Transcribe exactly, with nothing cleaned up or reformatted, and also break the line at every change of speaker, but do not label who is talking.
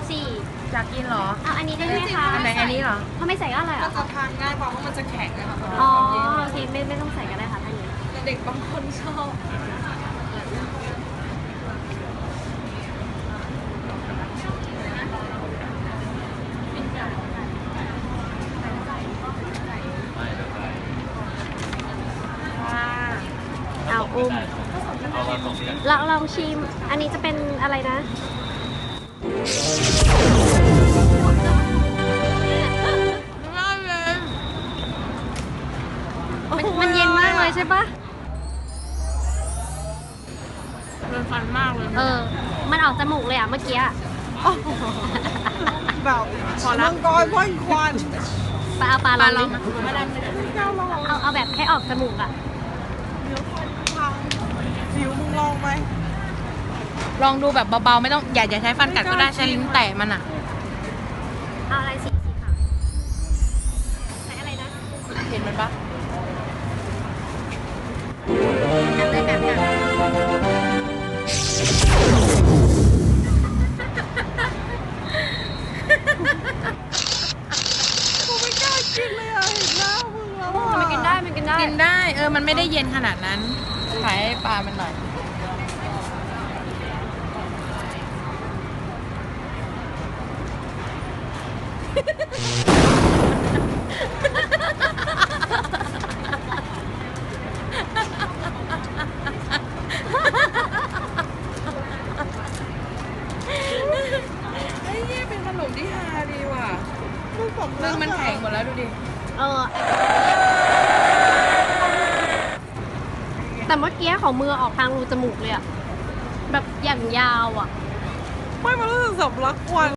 สี่
อยากกินเหรอ
เอาอันนี้ได้ไหมคะ
อันไหนอันนี้เหรอ
ถ้าไม่ใส่ก็อร่อยเหร
ก็
อ
จะทานง่ายกว่าเพราะมันจะแข็งนะคะ
อ๋อโอเคไม่ไม่ต้องใส่ก็ได้ค่ะท่านนี้
แต่เด็กบางคนชอบ
เอาอุ้มเราลองชิม อันนี้จะเป็นอะไรนะ มันมันเย็นมากเลยใช่ปะ
เป็นฟันมากเลย
เออ มันออกจมูกเลยอ่ะเมื่อกี้อะ
แบบพอละมังกรพ่นควัน
ปลาเอาปลา
ปลา
ล
ล
อ
อง ง
ดิ
ไม่ได้ไม่ได้ไม่ได้ลอง
เอาเอาแบบให้ออกจมูกอ่ะ
เดี๋ยวคนพังผิวมึงลองไหม
ลองดูแบบเบาๆไม่ต้องอย่าอย่าใช้ฟันกัดก็ได้ใช้ลิ้นแตะมันอ่ะ
เอาอะไรสีสีขาวใส่อะไรนะ
เห็นมันปะ
แบบเลยแบบแบบ
กูไม่กล้ากินเลยอ่ะเห็นหน้ามึงแล้วอ่ะ
มันกินได้มันกินได้
กินได้เออมันไม่ได้เย็นขนาดนั้นขายให้ปลามันหน่อยไอ้เหี้ยเป็นขนมที่ฮาดีว่ะ
มึงสำ
นึ
ลั
ง
ก
มันแข็งหมดแล้วดูดิ
เออ แต่เมื่อกี้ของมือออกทางรูจมูกเลยอะแบบอย่างยาวอะ
ไม่มารู้สึกสำลักควัน